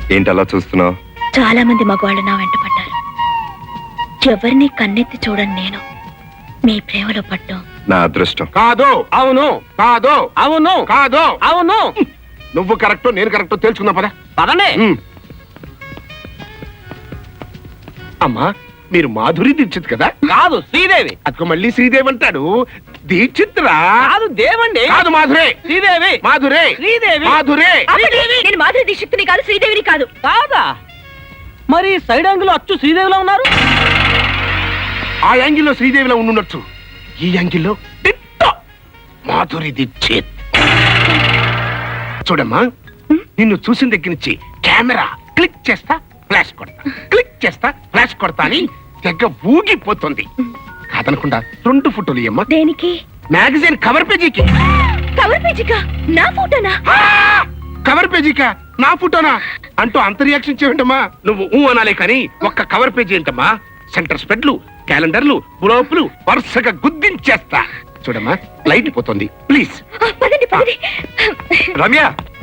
ఏంటి అలా చూస్తున్నావు? చాలా మంది మగవాళ్ళు నా వెంట పడ్డారు. ఎవరిని కన్నెత్తి చూడని నేను మీ ప్రేమలో పడ్డం నా అదృష్టం. కాదు, అవును, కాదు, అవును, కాదు, అవును. నువ్వు కరెక్ట్, నేను కరెక్ట్ తెలుసుకుందాం పద. పదండి. అమ్మా, మీరు మాధురి దీక్షిత్ కదా? కాదు, శ్రీదేవి. అదిగో మళ్ళీ శ్రీదేవి అంటాడు. దీక్షిత్ రా. కాదు, దేవండి. కాదు, మాధురే. శ్రీదేవి. మాధురే. శ్రీదేవి. మాధురే. నేను మాధురి దీక్షిత్ని కాదు, శ్రీదేవిని కాదు. కాదా? మరి సైడ్ యాంగిల్ అచ్చు శ్రీదేవిలో ఉన్నారు. ఆ యాంగిల్లో శ్రీదేవిలో ఉండుండొచ్చు, ఈ యాంగిల్లో టిట్టో మాధురి దీక్షిత్. చూడమ్మా, నిన్ను చూసిన దగ్గర నుంచి కెమెరా క్లిక్ చేస్తా ఫ్లాష్ కొడతా, క్లిక్ చేస్తా ఫ్లాష్ కొడతా అని తెగ ఊగిపోతుంది. కాదనకుండా 2 ఫోటోలు ఇయ్యమ్మా. దేనికి? మ్యాగజైన్ కవర్ పేజీకి. కవర్ పేజీకా? నా ఫోటోనా? కవర్ పేజీకా? నా ఫోటోనా అంటూ అంత రియాక్షన్ చేయండమ్మా. నువ్వు అనాలే కానీ ఒక్క కవర్ పేజీ ఏంటమ్మా, సెంటర్ స్ప్రెడ్లు, క్యాలెండర్లు, పులోపులు వరుసగా గుద్దించేస్తా. చూడమ్మా, లైట్ పోతుంది, ప్లీజ్. పదండి పదండి. రమ్య,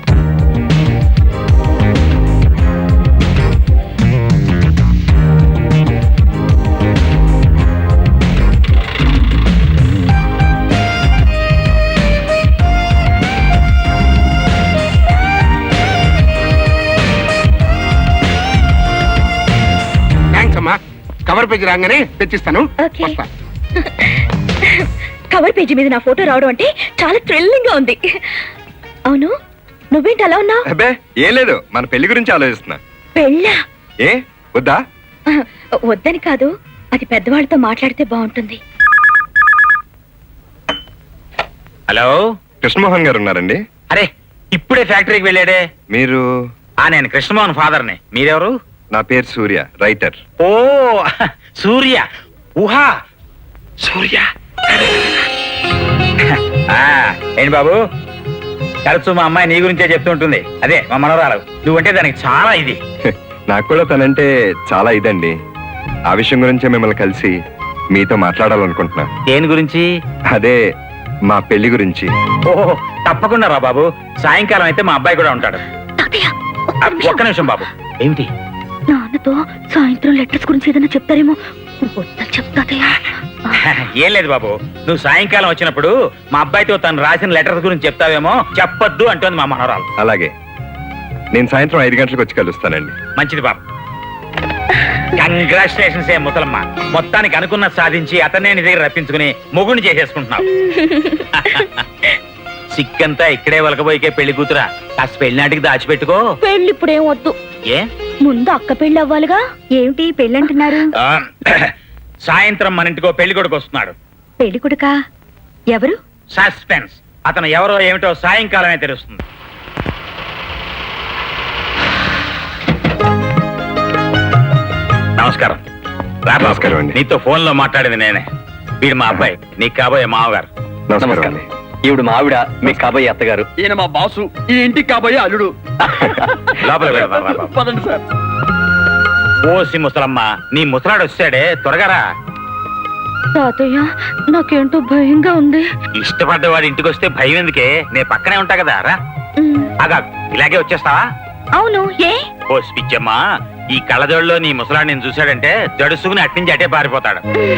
థ్యాంక్స్ అమ్మా. కవర్ పేజీ రాగానే తెచ్చిస్తాను. ఓకే. వస్తా. కవర్ పేజీ మీద నా ఫోటో రావడం అంటే చాలా థ్రిల్లింగ్ గా ఉంది. అవును, నువ్వేంటి అలా ఉన్నావు? అబ్బే ఏం లేదు, మన పెళ్లి గురించి ఆలోచిస్తున్నా. పెళ్ళా? ఏ వద్దా? వద్దని కాదు, అది పెద్దవాళ్ళతో మాట్లాడితే బాగుంటుంది. హలో, కృష్ణమోహన్ గారు ఉన్నారండి? అరే ఇప్పుడే ఫ్యాక్టరీకి వెళ్ళాడే. మీరు? నేను కృష్ణమోహన్ ఫాదర్ని. మీరెవరు? నా పేరు సూర్య, రైటర్. ఓ సూర్య. ఊహా సూర్య. ఏంటి బాబు, తరచు మా అమ్మాయి నీ గురించే చెప్తుంటుంది. అదే మా మనవరాలు. నువ్వంటే దానికి చాలా ఇది. నాకు కూడా తనంటే చాలా ఇదండి. ఆ విషయం గురించే మిమ్మల్ని కలిసి మీతో మాట్లాడాలనుకుంటున్నా. దేని గురించి? అదే మా పెళ్లి గురించి. ఓహో, తప్పకుండా రా బాబు. సాయంకాలం అయితే మా అబ్బాయి కూడా ఉంటాడు. ఒక్క నిమిషం బాబు. ఏమిటి? నాన్నతో సాయంత్రం లెటర్స్ గురించి ఏదైనా చెప్తారేమో. చెప్తాదయ్యా. ఏం లేదు బాబు, నువ్వు సాయంకాలం వచ్చినప్పుడు మా అబ్బాయితో తను రాసిన లెటర్స్ గురించి చెప్తావేమో. చెప్పొద్దు అంటోంది మా మనవరాలు. అలాగే, నేను సాయంత్రం 5 గంటలకు వచ్చి కలుస్తానండి. మంచిది బాబు. కంగ్రాచులేషన్స్ ఏ ముసలమ్మ, మొత్తానికి అనుకున్న సాధించి అతనే నీ దగ్గర రప్పించుకుని మొగుడిని చేసేసుకుంటున్నావు. సిక్కంతా ఇక్కడే వలకపోయికే పెళ్లి కూతురా. కాస్త పెళ్లినాటికి దాచిపెట్టుకో. పెళ్లి ఇప్పుడేం వద్దు. ఏ? ముందు అక్క పెళ్లి అవ్వాలిగా. ఏమిటి పెళ్లి అంటున్నారు? సాయంత్రం మన ఇంటికో పెళ్లి కొడుకు వస్తున్నాడు. పెళ్లి కొడుకా? ఎవరు? సస్పెన్స్. అతను ఎవరో ఏమిటో సాయంకాలమే తెలుస్తుంది. నమస్కారం. నమస్కారం అండి. నీతో ఫోన్ లో మాట్లాడింది నేనే. వీడు మా అబ్బాయి, నీకు కాబోయే మామగారు. నమస్కారం అండి. ఈవిడ మా ఆవిడ, మీకు కాబోయే అత్తగారు. ఈయన మా బాసు, ఈ ఇంటికి కాబోయే అల్లుడు. లోపల పదండి సార్. ఓసి ముసలమ్మ, నీ ముసలాడు వచ్చాడే, త్వరగా రా. తాతయ్య, నాకేంటో భయంగా ఉంది. ఇష్టపడ్డవాడి ఇంటికి వస్తే భయం ఎందుకే? నేను పక్కనే ఉంటా కదా. రా. అగా ఇలాగే వచ్చేస్తావా? అవును. ఏ? ఓ పిచ్చమ్మా, ఈ కళ్ళజోడులో నీ ముసలాడు నేను చూశాడంటే జడుసుకుని అట్నుంచి అటే పారిపోతాడు.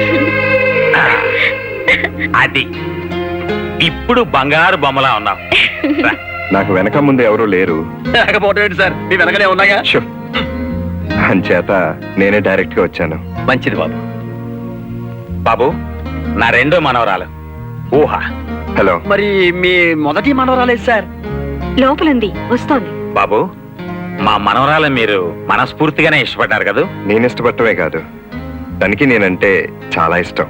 అది ఇప్పుడు బంగారు బొమ్మలా ఉన్నావు. నాకు వెనక ముందు ఎవరూ లేరు. లేకపోతే సార్, మీ వెనకనే ఉన్నాయా? అంచేత నేనే డైరెక్ట్ గా వచ్చాను. మంచిది బాబు. బాబు, నా రెండో మనవరాలు ఊహ. హలో. మరి మీ మొదటి మనవరాలేదు సార్? లోపలుంది, వస్తోంది. బాబు, మా మనవరాలు మీరు మనస్ఫూర్తిగానే ఇష్టపడ్డారు కదా? నేను ఇష్టపడటమే కాదు, తనకి నేనంటే చాలా ఇష్టం.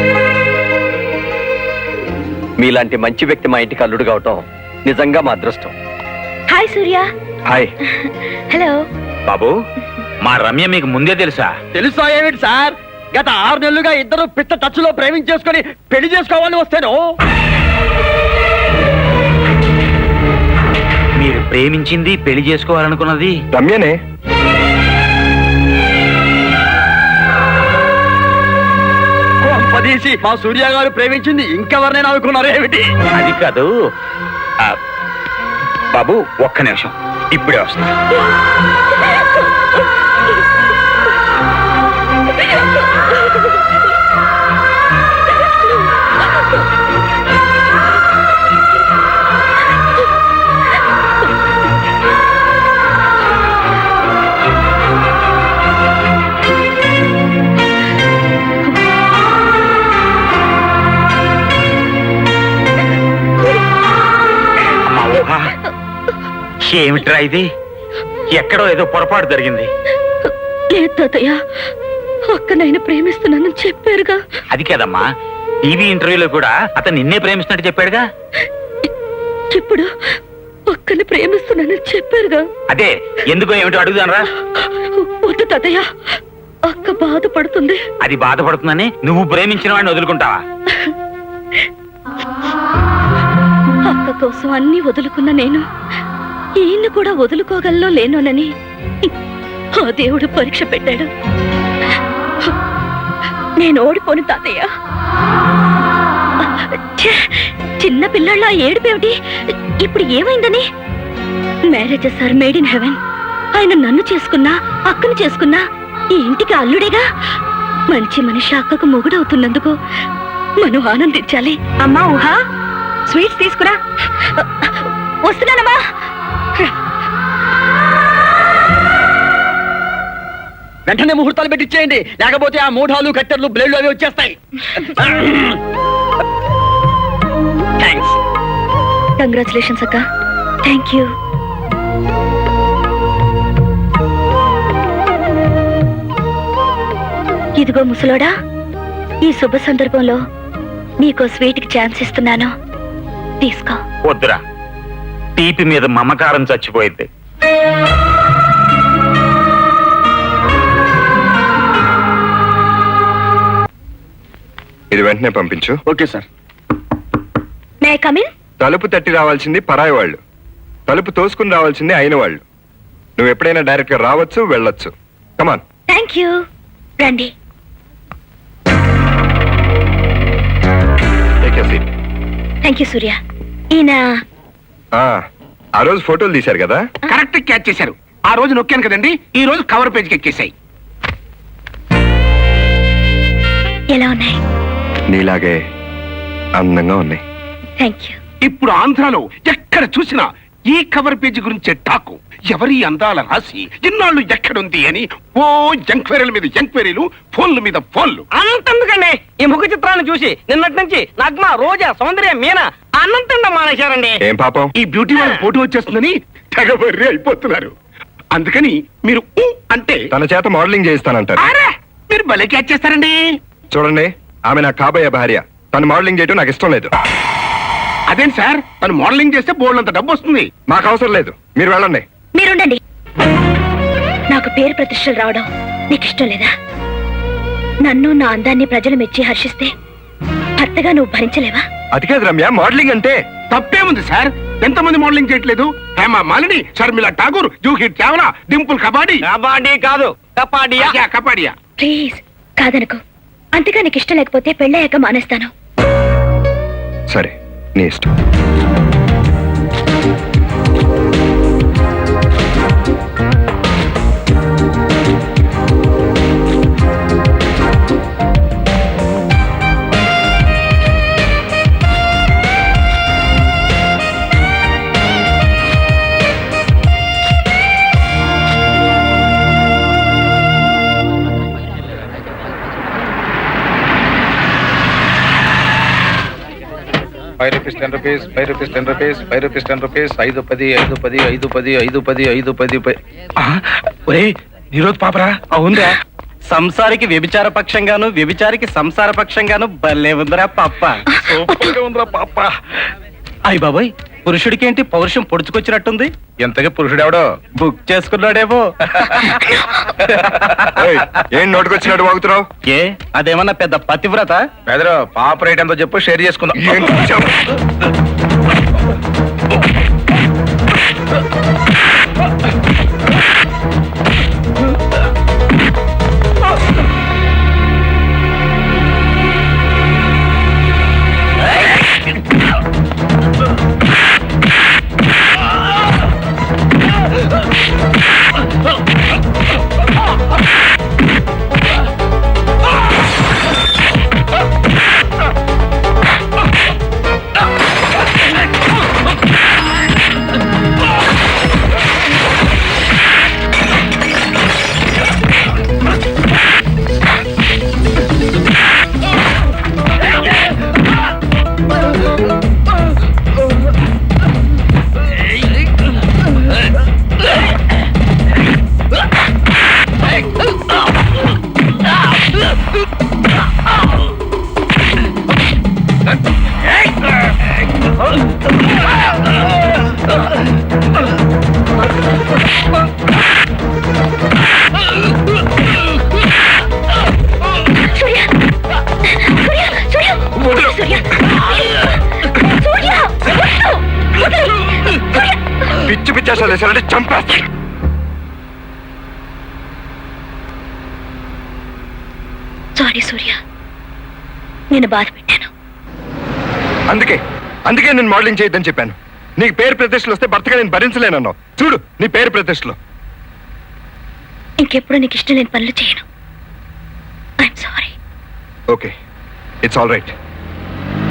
మీలాంటి మంచి వ్యక్తి మా ఇంటికి అల్లుడు కావటం నిజంగా మా అదృష్టం. హాయ్ సూర్య. హాయ్. హలో. బాబు, మా రమ్య మీకు ముందే తెలుసా? తెలుసా ఏమిటి సార్? గత 6 నెలలుగా ఇద్దరు పిట్ట టచ్ లో ప్రేమించేసుకొని పెళ్లి చేసుకోవాలని వస్తేను. మీరు ప్రేమించింది, పెళ్లి చేసుకోవాలనుకున్నది రమ్యనే. పదేసి మా సూర్య గారు ప్రేమించింది ఇంకెవరినైనా అనుకున్నారు ఏమిటి? అది కాదు బాబు, ఒక్క నిమిషం, ఇప్పుడే వస్తా. అమ్మా ఊహ, ఏమిట్రా ఇది? ఎక్కడో ఏదో పొరపాటు జరిగింది. లేదు తాతయ్య, అక్కనైనా ప్రేమిస్తున్నానని చెప్పారుగా. అది కాదమ్మా, టీవీ ఇంటర్వ్యూలో కూడా అతను నిన్నే ప్రేమిస్తున్నట్టు చెప్పాడుగా. ఇప్పుడు అక్కని ప్రేమిస్తున్నానని చెప్పారుగా. అదే ఎందుకో ఏమిటో అడుగుదానరా. వద్దు తాతయ్య, అక్క బాధపడుతుంది. అది బాధపడుతుందని నువ్వు ప్రేమించిన వాడిని వదులుకుంటావా? అక్క కోసం అన్ని వదులుకున్న నేను ఈయన్ని కూడా వదులుకోగలలో లేనోనని ఆ దేవుడు పరీక్ష పెట్టాడు. నేను ఓడిపోను తాతయ్య. ఛే, చిన్న పిల్లళ్ళ ఏడుపేమిటి? ఇప్పుడు ఏమైందని? Marriages are made in heaven. ఆయన నన్ను చేసుకున్నా, అక్కను చేసుకున్నా ఈ ఇంటికి అల్లుడేగా. మంచి మనిషి అక్కకు మొగుడవుతున్నందుకు మనం ఆనందించాలి. అమ్మా ఊహ, స్వీట్స్ తీసుకురా. వస్తున్నానమ్మా. వెంటనే ముహూర్తాలు పెట్టించేయండి, లేకపోతే ఆ మూఢాలు కట్టెర్లు బ్లేడ్లు అవి వచ్చేస్తాయి. థ్యాంక్స్. కంగ్రాచులేషన్స్ అక్క. Thank you. ఇదిగో ముసలోడా, ఈ శుభ సందర్భంలో నీకో స్వీట్ కి ఛాన్స్ ఇస్తున్నాను, తీసుకో. వద్దురా, తీపి మీద మమకారం చచ్చిపోయింది. ఇది వెంటనే పంపించు. Okay sir. May I come in? తలుపు తట్టి రావాల్సింది పరాయి వాళ్ళు, తలుపు తోసుకుని రావాల్సింది అయిన వాళ్ళు. నువ్వు ఎప్పుడైనా డైరెక్ట్ గా రావచ్చు, వెళ్ళొచ్చు. కమాన్. Thank you. రండి. Thank you Surya. ఈయన ఆ రోజు ఫోటోలు తీశారు కదా. కరెక్ట్ క్యాచ్ చేశారు. ఆ రోజు నొక్కాను కదండి, ఈ రోజు కవర్ పేజ్కి ఎక్కేసాయి. ఎలా ఉన్నాయి? నీలాగే అందంగా ఉన్నాయి. Thank you. ఇప్పుడు ఆంధ్రాలో ఎక్కడ చూసినా ఈ కవర్ పేజీ గురించే టాకు. ఎవరి అందాల రాసి ఇన్నాళ్ళు ఎక్కడుంది అని ఓ ఎంక్వైరీల మీద ఎంక్వైరీలు, ఫోన్ల మీద ఫోన్లు. అనంతందుకండి ఈ ముఖ చిత్రాన్ని చూసి నిన్నటి నుంచి నగ్మ, రోజా, సౌందర్య, మీనా అనంతంగా మానేశారండి. ఏం పాపం? ఈ బ్యూటీ వాళ్ళ ఫోటో వచ్చేస్తుందని తెగబర్రి అయిపోతున్నారు. అందుకని మీరు ఊ అంటే తన చేత మోడలింగ్ చేయిస్తానంటారు. అరే, మీరు భలే క్యాచ్ చేస్తారండి. చూడండి, ఆమె నా కాబోయే భార్య. తను మోడలింగ్ చేయటం నాకు ఇష్టం లేదు. అదేంటి సార్, తను మోడలింగ్ చేస్తే బోర్డు అంత డబ్బు వస్తుంది. మాకు అవసరం లేదు, మీరు వెళ్ళండి. మీరుండండి. నాకు పేరు ప్రతిష్టలు రావడం నీకు ఇష్టం లేదా? నన్ను నా అందాన్ని ప్రజలు మెచ్చి హర్షిస్తే భర్తగా నువ్వు భరించలేవా? అది కాదు రమ్య, మోడలింగ్ అంటే. తప్పేముంది సార్? ఎంతమంది మోడలింగ్ చేయట్లేదు? హేమా మాలిని, షర్మిలా ఠాగూర్, జూహీ చావ్లా, డింపుల్ కబాడీ. కబాడీ కాదు, కపాడియా. కబాడియా. ప్లీజ్ కాదనుకో. అంతగా నీకు ఇష్టం లేకపోతే పెళ్ళయ్యాక మానేస్తాను. సరే, నీ ఇష్టం. ₹5, ₹10, ₹5, ₹10, ₹5, ₹10, 5, 10, 5, 10, 5, 10, 5, 10, 5, 10. ఒరే నిరోధ్ పాపరా. అవునరా, సంసారికి వ్యభిచార పక్షంగాను, వ్యభిచారికి సంసార పక్షంగాను భలే ఉందిరా పప్ప. సూపర్ గా ఉందిరా పాప. అయ్య బాబాయ్, పురుషుడికి ఏంటి పౌరుషం పొడుచుకొచ్చినట్టుంది? ఎంతగా పురుషుడెవడో బుక్ చేసుకున్నాడేమో. ఏయ్, ఏం నోటుకొచ్చినట్టు వాగుతున్నావు? ఏ అదేమన్నా పెద్ద పతివ్రత? బెదరు పాప రేట్ ఎంతో చెప్పు, షేర్ చేసుకుందాం. ఏంటి చెప్పు? సూర్య! వద్దు! సూర్య! పిచ్చి పిచ్చేసాలు వేసారంటే చంపేస్తాను. సారీ సూర్య, నేను బాధ పెట్టాను. అందుకే నేను మోడలింగ్ చేయొద్దని చెప్పాను. నీకు పేరు ప్రతిష్టలు వస్తే భర్తగా నేను భరించలేనన్నావు. చూడు నీ పేరు ప్రతిష్టలు. ఇంకెప్పుడు నీకు ఇష్టం లేని పనులు చేయను. I'm sorry. Okay, it's all right.